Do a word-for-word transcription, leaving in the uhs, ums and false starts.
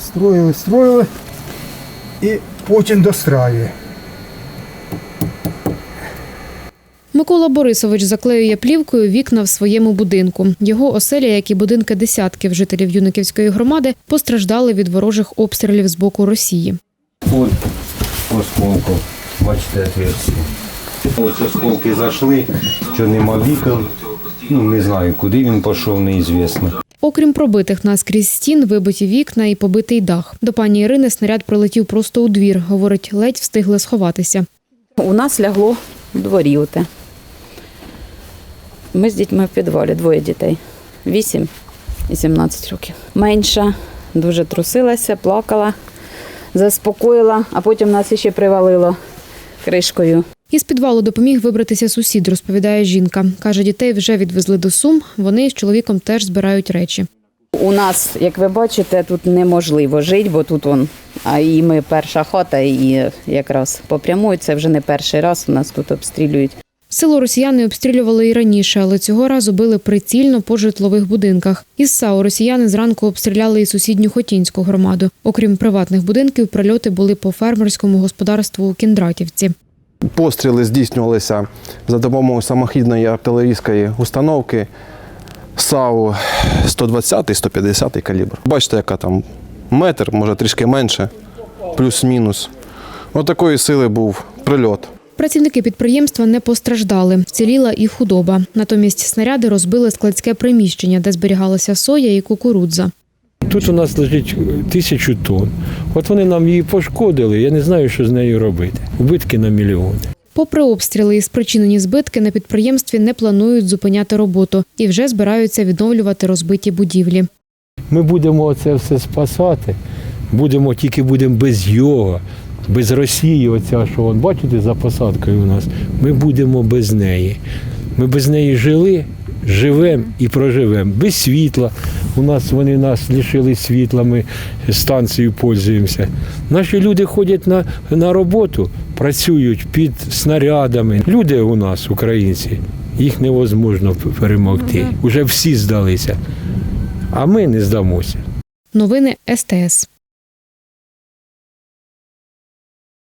строїли, строїли і потім достраює. Микола Борисович заклеює плівкою вікна в своєму будинку. Його оселя, як і будинки десятків жителів Юнаківської громади, постраждали від ворожих обстрілів з боку Росії. От осколку, бачите, отверстие. Ось осколки зайшли, що нема вікон. Ну, не знаю, куди він пішов, неізвісно. Окрім пробитих наскрізь стін, вибиті вікна і побитий дах. До пані Ірини снаряд прилетів просто у двір. Говорить, ледь встигли сховатися. У нас лягло в дворі оте. Ми з дітьми в підвалі, двоє дітей. вісім і сімнадцять років. Менша дуже трусилася, плакала, заспокоїла, а потім нас ще привалило кришкою. Із підвалу допоміг вибратися сусід, розповідає жінка. Каже, дітей вже відвезли до Сум, вони з чоловіком теж збирають речі. У нас, як ви бачите, тут неможливо жити, бо тут он, а і ми перша хата, і якраз попрямують, це вже не перший раз у нас тут обстрілюють. Село росіяни обстрілювали і раніше, але цього разу били прицільно по житлових будинках. Із САУ росіяни зранку обстріляли і сусідню Хотінську громаду. Окрім приватних будинків, прильоти були по фермерському господарству у Кіндратівці. Постріли здійснювалися за допомогою самохідної артилерійської установки САУ сто двадцятий - сто п'ятдесятий калібр. Бачите, яка там метр, може трішки менше, плюс-мінус. Ось такої сили був прильот. Працівники підприємства не постраждали. Вціліла і худоба. Натомість снаряди розбили складське приміщення, де зберігалася соя і кукурудза. Тут у нас лежить тисячу тонн. От вони нам її пошкодили, я не знаю, що з нею робити. Убитки на мільйони. Попри обстріли і спричинені збитки, на підприємстві не планують зупиняти роботу і вже збираються відновлювати розбиті будівлі. Ми будемо це все спасати, будемо тільки будемо без його, без Росії, оця, що вон, бачите, за посадкою у нас, ми будемо без неї. Ми без неї жили, живемо і проживемо. Без світла. У нас вони нас лишили світла, ми станцією пользуємося. Наші люди ходять на, на роботу, працюють під снарядами. Люди у нас, українці, їх невозможно перемогти. Уже всі здалися, а ми не здамося. Новини ес те ес.